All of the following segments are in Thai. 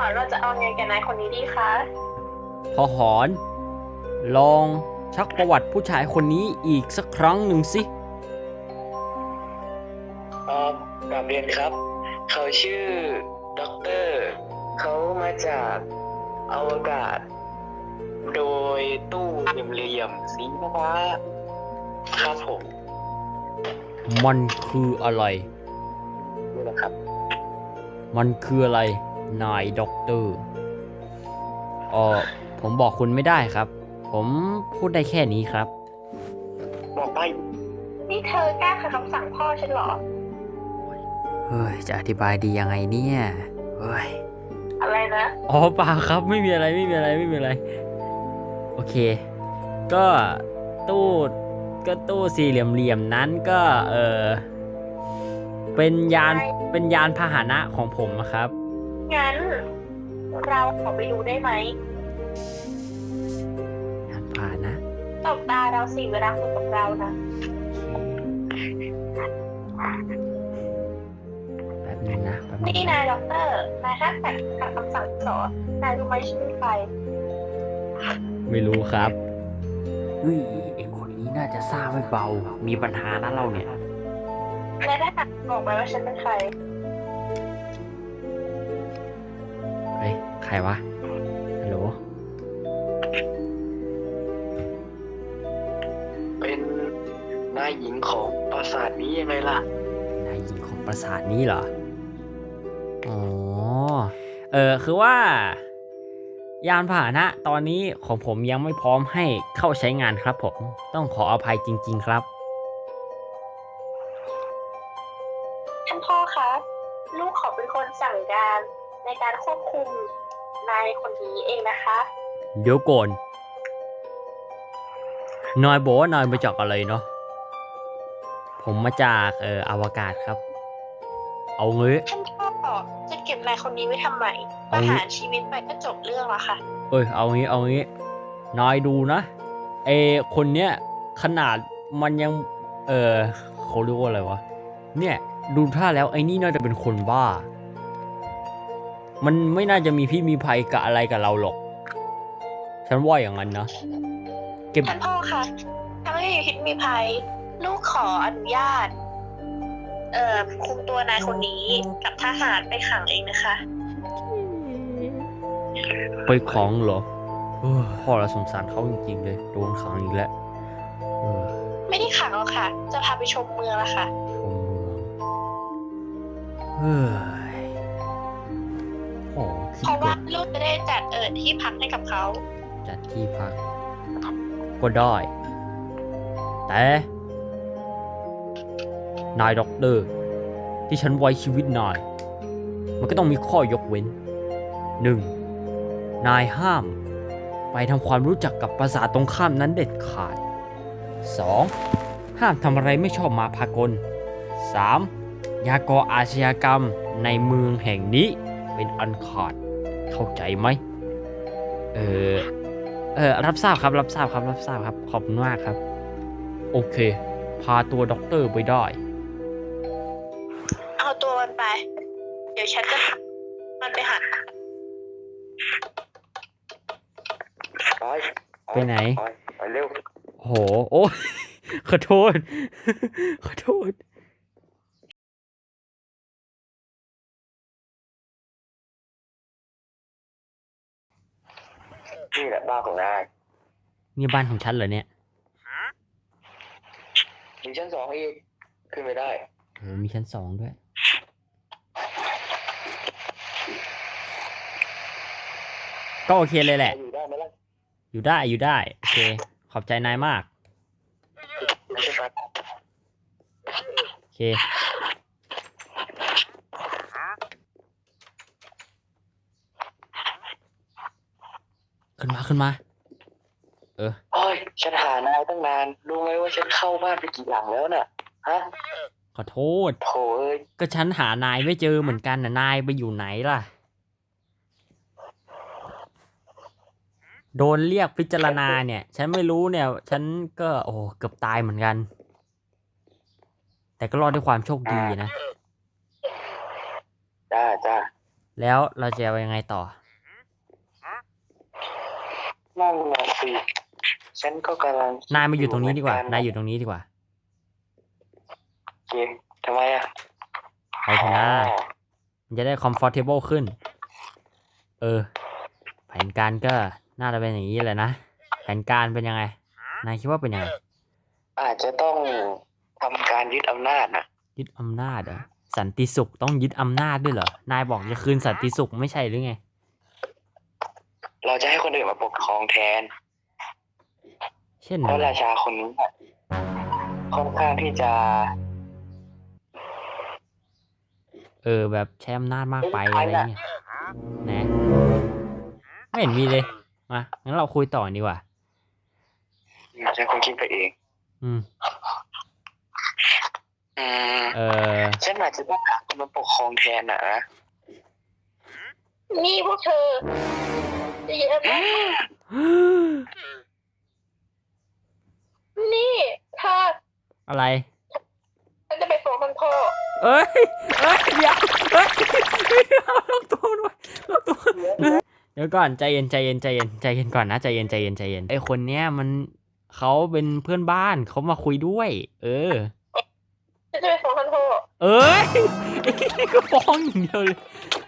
อนเราจะเอาไงกับนายคนนี้ดีคะพอหอนลองชักประวัติผู้ชายคนนี้อีกสักครั้งหนึ่งสิเอ่อกราบเรียนครับ เขาชื่อด็อกเตอร์เขามาจากอวกาศ โดยตู้เหลี่ยมๆสีฟ้าครับผมมันคืออะไรนี่แหละครับมันคืออะไรนายด็อกเตอร์เออผมบอกคุณไม่ได้ครับ ผมพูดได้แค่นี้ครับบอกไปนี่เธอกล้าขัดคำสั่งพ่อฉันเหรอเฮ้ยจะอธิบายดียังไงเนี่ยเฮ้ยอะไรนะอ๋อเปล่าครับไม่มีอะไรไม่มีอะไรไม่มีอะไรโอเคก็ตู้ตู้สี่เหลี่ยมๆนั้นก็เป็นยานพาหนะของผมนะครับงั้นเราขอไปดูได้ไหมยานพาหนะตบตาเราสิเวลาคุยกับเรานะแบบนึงนะแบบนึงนี่นายด็อกเตอร์นายถ้าขัดคำสั่งเหรอนายรู้ไหมฉันเป็นใครไม่รู้ครับเฮ้ยไอคนนี้น่าจะซ่าไม่เบามีปัญหานะเราเนี่ยนายได้บอกไหมว่าฉันเป็นใครเฮ้ยใครวะฮัลโหลเป็นนายหญิงของปราสาทนี้ยังไงล่ะนายหญิงของปราสาทนี้เหรออ๋อคือว่ายานพาหนะตอนนี้ของผมยังไม่พร้อมให้เข้าใช้งานครับผมต้องขออภัยจริงๆครับท่านพ่อคะลูกขอเป็นคนสั่งการในการควบคุมนายคนนี้เองนะคะเดี๋ยวก่อนนายบอกว่านายมาจากอะไรเนาะผมมาจากอวกาศครับเอางี้ท่านพ่อจะเก็บนายคนนี้ไว้ทำไมประหารชีวิตไปก็จบเรื่องแล้วค่ะเอางี้นายดูนะคนเนี้ยขนาดมันยังเขาเรียกว่าอะไรวะเนี่ยดูท่าแล้วไอ้นี่น่าจะเป็นคนบ้ามันไม่น่าจะมีพี่มีภัยกับอะไรกับเราหรอกฉันว่าอย่างนั้นนะท่านพ่อคะถ้าไม่มีพิษมีภัยลูกขออนุญาตคุมตัวนายคนนี้กับทหารไปขังเองนะคะไปขังเหรอพ่อเราสงสารเขาจริงๆเลยโดนขังอีกแล้วไม่ได้ขังหรอกค่ะจะพาไปชมเมืองละค่ะชมเมืองเพราะว่าลูกจะได้จัดที่พักให้กับเขาจัดที่พักก็ได้แต่นายด็อกเตอร์ที่ฉันไว้ชีวิตนายมันก็ต้องมีข้อยกเว้น 1. นายห้ามไปทำความรู้จักกับปราสาทตรงข้ามนั้นเด็ดขาด 2. ห้ามทำอะไรไม่ชอบมาพากล 3. อย่าก่ออาชญากรรมในเมืองแห่งนี้เป็นอันขาดเข้าใจไหมรับทราบครับขอบคุณมากครับโอเคพาตัวด็อกเตอร์ไปได้เอาตัวมันไปเดี๋ยวฉันจะมันไปหาไปไหนไปเร็วโหโอ้ขอโทษนี่แหละบ้านของนายนี่บ้านของฉันเหรอเนี่ยมีชั้น2อีกขึ้นไม่ได้มีชั้น2ด้วยก็โอเคเลยแหละอยู่ได้ไหมล่ะอยู่ได้โอเคขอบใจนายมากโอเคขึ้นมาโอ้ยฉันหานายตั้งนานรู้ไหมว่าฉันเข้าบ้านไปกี่หลังแล้วน่ะฮะขอโทษโถ่เอ้ยก็ฉันหานายไม่เจอเหมือนกันนะนายไปอยู่ไหนล่ะโดนเรียกพิจารณาเนี่ยฉันไม่รู้เนี่ยฉันก็เกือบตายเหมือนกันแต่ก็รอดด้วยความโชคดีนะจ้าแล้วเราจะเอายังไงต่อนั่นน่ะสิฉันก็กำลังคินายมาอยู่ตรงนี้ดีกว่าเหมืนายอยู่ตรงนี้ดีกว่าโอเคทำไมอ่ะไปเถอะนะมันจะได้ comfortable ขึ้น แผนการก็น่าจะเป็นอย่างนี้แหละนะ แผนการเป็นยังไง นายคิดว่าเป็นยังไงอาจจะต้องทำการยึดอำนาจนะยึดอำนาจเหรอ สันติสุขต้องยึดอำนาจด้วยเหรอ นายบอกจะคืนสันติสุขไม่ใช่หรือไงเราจะให้คนอื่นมาปกครองแทนเช่นเพอะราะไรราชาคนนี้น่ะค่อนข้างที่จะแบบใช้อำนาจมากไปอะไรเงี้ยนะไม่เห็นมีเลย มางั้นเราคุยต่อดีกว่าฉันคงคิดไปเองอืมอืมเออฉันอาจจะต้องหาคนมาปกครองแทนนะนี่พวกเธอจะเยอะมากนี่เธออะไรฉันจะไปฟ้องท่านพ่อเอ้ยเดี๋ยวลงตัวด้วยลงตัวเดี๋ยวก่อนใจเย็นก่อนนะใจเย็นไอคนเนี้ยมันเขาเป็นเพื่อนบ้านเขามาคุยด้วยฉันจะไปฟ้องท่านพ่อเอ้ยก็ฟ้องอย่างเดียวเลย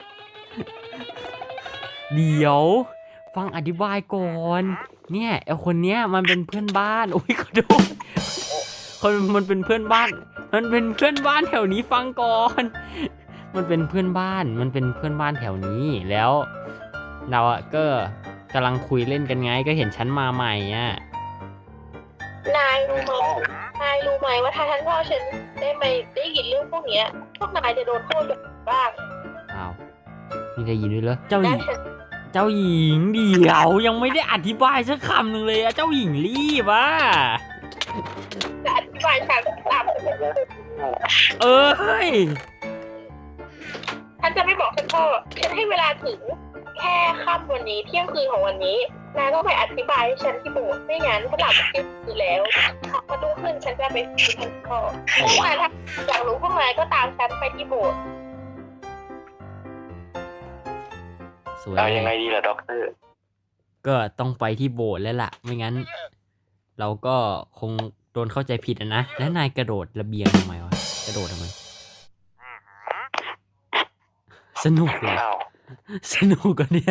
เดี๋ยวฟังอธิบายก่อนเนี่ยไอคนเนี้ยมันเป็นเพื่อนบ้านโอ้ยขอโทษมันเป็นเพื่อนบ้าน มันเป็นเพื่อนบ้านแถวนี้ฟังก่อน มันเป็นเพื่อนบ้านแถวนี้แล้วเราอะก็กำลังคุยเล่นกันไงก็เห็นฉันมาใหม่อ่ะนายรู้ไหมว่าถ้าท่านพ่อฉันได้ยินเรื่องพวกเนี้ยพวกนายจะโดนโทษแบบบ้างอ้าวนี่ได้ยินด้วยเหรอเจ้าหและญิงฉันเจ้าหญิงเดี๋ยวยังไม่ได้อธิบายสักคำหนึ่งเลยอะเจ้าหญิงรีบอ่ะจะอธิบายฉันตามเฮ้ยฉันจะไม่บอกท่านพ่อฉันให้เวลาถึงแค่ค่ำวันนี้เที่ยงคืนของวันนี้นายต้องไปอธิบายให้ฉันที่โบสถ์ไม่งั้นฉันหลับเที่ยงคืนแล้วพอรุ่งขึ้นฉันจะไปคุยท่านพ่อถ้าอยากรู้พวกนายก็ตามฉันไปที่โบสถ์สวยเอายังไงดีล่ะด็อกเตอร์ก็ต้องไปที่โบสถ์แล้วล่ะไม่งั้น เราก็คงโดนเข้าใจผิดนะแล้วนายกระโดดระเบียงทำไมวะกระโดดทำไมสนุกเลยอ้าวสนุกกันเนี่ย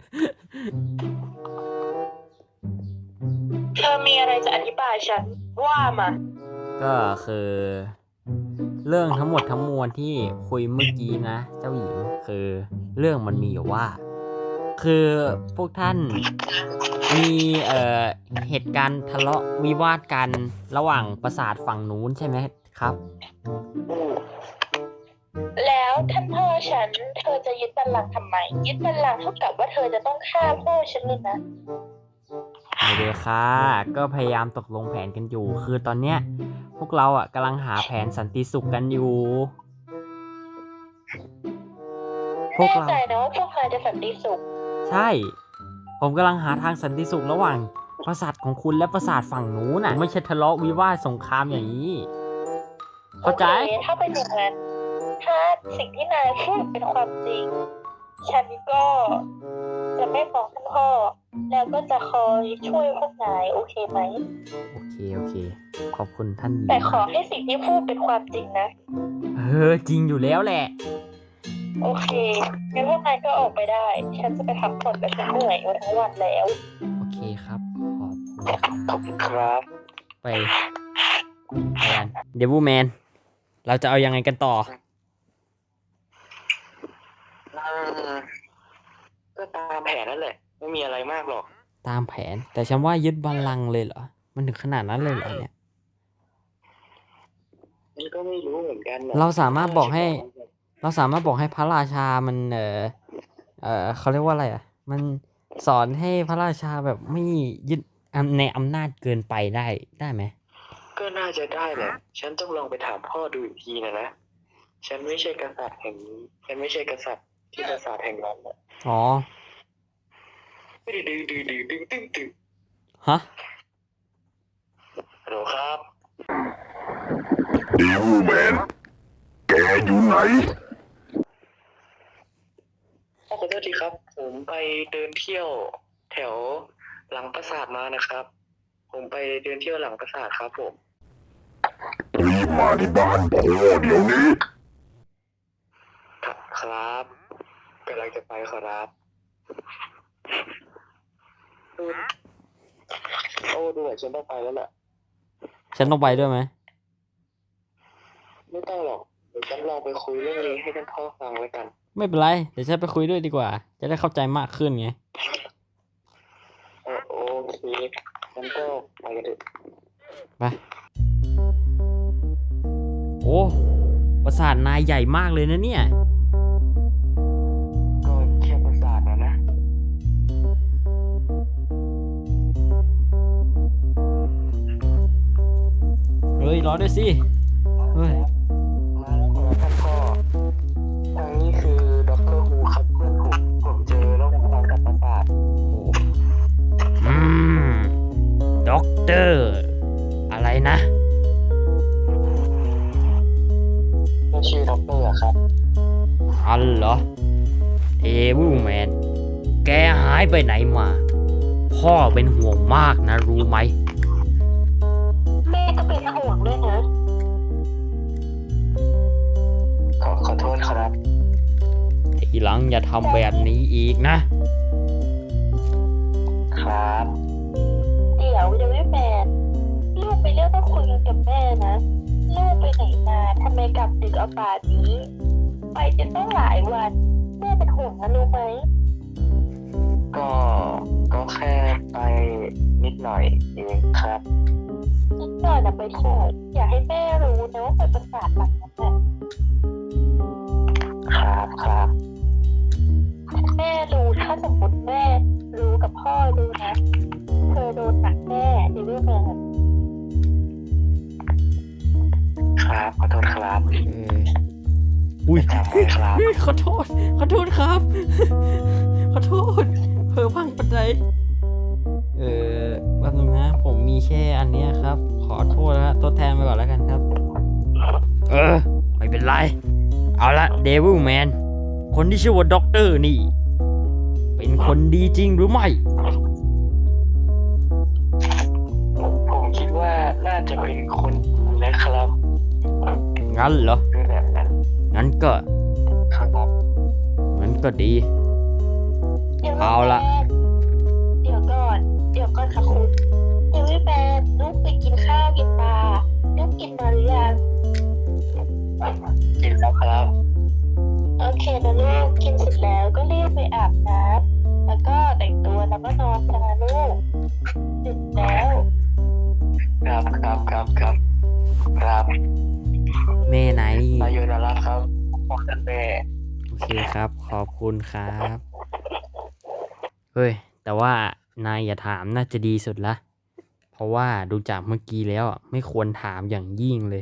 เธอมีอะไรจะอธิบายฉันว่ามาก็คือเรื่องทั้งหมดทั้งมวลที่คุยเมื่อกี้นะเจ้าหญิงคือเรื่องมันมีอยู่ว่า คือพวกท่านมีเหตุการณ์ทะเลาะวิวาทกันระหว่างปราสาทฝั่งนู้นใช่ไหมครับแล้วท่านพ่อฉันเธอจะยึดบัลลังก์ทำไมยึดบัลลังก์เท่ากับว่าเธอจะต้องฆ่าพ่อฉันเลยนะไม่ได้ค่ะก็พยายามตกลงแผนกันอยู่ คือตอนเนี้ยพวกเราอ่ะกำลังหาแผนสันติสุขกันอยู่ พวกแน่เราใจนะว่าพวกนายจะสันติสุขใช่ ผมกำลังหาทางสันติสุขระหว่างปราสาทของคุณและปราสาทฝั่งนู้นน่ะ ไม่ใช่ทะเลาะวิวาทสงครามอย่างนี้ เข้าใจโอเคถ้าเป็นอย่างนั้นถ้าสิ่งที่นายพูดเป็นความจริง ฉันก็จะไม่ฟ้องท่านพ่อ แล้วก็จะคอยช่วยพวกนายโอเคไหมโอเค ขอบคุณท่านหญิงแต่ขอให้สิ่งที่พูดเป็นความจริงนะจริงอยู่แล้วแหละโอเคงั้นพวกนายก็ออกไปได้ ฉันจะไปพักผ่อนและฉันเหนื่อยมาทั้งวันแล้วโอเคครับ ขอบคุณครับขอบคุณครับไปกันเดวิลแมน เราจะเอายังไงกันต่อก็ตามแผนนั่นแหละ ไม่มีอะไรมากหรอกตามแผน แต่ฉันว่ายึดบัลลังก์เลยเหรอ มันถึงขนาดนั้นเลยเหรอเนี่ยนี่ก็ไม่รู้เหมือนกันนะเราสามารถบอกให้พระราชามันเขาเรียกว่าอะไรอ่ะ มันสอนให้พระราชาแบบไม่ยึดในอำนาจเกินไปได้ไหมก็น่าจะได้แหละ ฉันต้องลองไปถามพ่อดูอีกทีนะ ฉันไม่ใช่กษัตริย์แห่งนี้ ฉันไม่ใช่กษัตริย์ที่ปราสาทแห่งนั้นนะอ๋อดึงฮะฮัลโหลครับเดวิลแมน แกอยู่ไหนขอโทษทีครับ ผมไปเดินเที่ยวแถวหลังปราสาทมานะครับ ผมไปเดินเที่ยวหลังปราสาทครับผมรีบมาที่บ้านพ่อเดี๋ยวนี้ครับกำลังจะไปขอรับโอ้ดูเหมือนฉันต้องไปแล้วแหละฉันต้องไปด้วยไหมไม่ต้องหรอกเดี๋ยวฉันลองไปคุยเรื่องนี้ให้ท่านพ่อฟังแล้วกันไม่เป็นไร เดี๋ยวฉันไปคุยด้วยดีกว่า จะได้เข้าใจมากขึ้นไงโอเคงั้นก็ไปกันเถอะไป โอ้ปราสาทนายใหญ่มากเลยนะเนี่ยก็แค่ปราสาทนะเฮ้ย รอด้วยสิ เฮ้ยมาแล้วครับท่านพ่อทางนี้คือดรฮูครับเพื่อนผมเจอแล้วผมทางกับปราสาทอืม ด็อกเตอร์ อะไรนะก็ชื่อดรอะครับอันเหรอ เอวูแมน แกหายไปไหนมา พ่อเป็นห่วงมากนะรู้ไหมแม่ก็เป็นห่วงด้วยนะขอโทษครับทีหลังอย่าทำแบบนี้อีกนะครับเดี๋ยวไม่แฟนลูกไปเรื่องต้องคุยกันกับแม่นะ ลูกไปไหนมาทำไมกลับดึกเอาป่านนี้ ไปจนต้องหลายวัน แม่เป็นห่วงนะรู้ไหมก็แค่ไปนิดหน่อยเองครับนิดหน่อยนะไปเถอะอยากให้แม่รู้นะว่าไปประสาทหลังนั้นแหละครับแม่รู้ถ้าสมมติแม่รู้กับพ่อรู้นะเธอโดนหนักแน่ในเรื่องนั้นครับ ขอโทษครับอุ้ยจำไว้ครับขอโทษครับ ขอโทษเผลอพังปัจจัยแป๊บนึงนะ ผมมีแค่อันเนี้ยครับ ขอโทษนะตัวแทนไปก่อนแล้วกันครับ ไม่เป็นไร เอาละเดวิลแมน คนที่ชื่อว่าด็อกเตอร์นี่ เป็นคนดีจริงหรือไม่ผมคิดว่าน่าจะเป็นคนนะครับงั้นเหรอคือแบบนั้นงั้นก็ครับดีเดี๋ยวเอาละเดี๋ยวก่อนค่ะคุณเดี๋ยวไม่แฟนลูกไปกินข้าวกินปลาลูกกินมาหรือยังกินแล้วครับโอเคนะลูกกินเสร็จแล้วก็รีบไปอาบน้ำแล้วก็แต่งตัวแล้วก็นอนกันนะลูกดึกแล้วครับแม่นายนี่นายโยนารัตน์ครับพ่อท่านแม่โอเคครับ ขอบคุณครับ เฮ้ย แต่ว่านายอย่าถามน่าจะดีสุดละ เพราะว่าดูจากเมื่อกี้แล้วอ่ะไม่ควรถามอย่างยิ่งเลย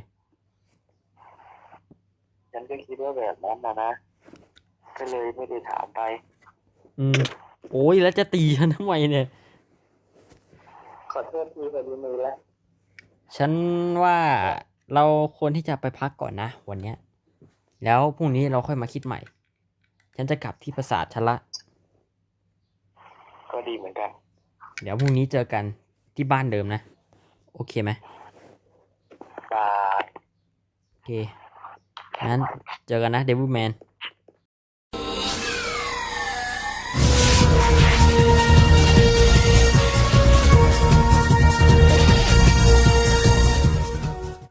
ฉันก็คิดว่าแบบนั้นนะ ก็เลยไม่ได้ถามไปโอ้ยแล้วจะตีฉันทำไมเนี่ยขอโทษทีพอดีมือแล้วฉันว่าเราควรที่จะไปพักก่อนนะวันเนี้ย แล้วพรุ่งนี้เราค่อยมาคิดใหม่ ฉันจะกลับที่ปราสาทฉันละก็ดีเหมือนกันเดี๋ยวพรุ่งนี้เจอกันที่บ้านเดิมนะ โอเคไหมบายโอเค งั้นเจอกันนะเดวิลแมน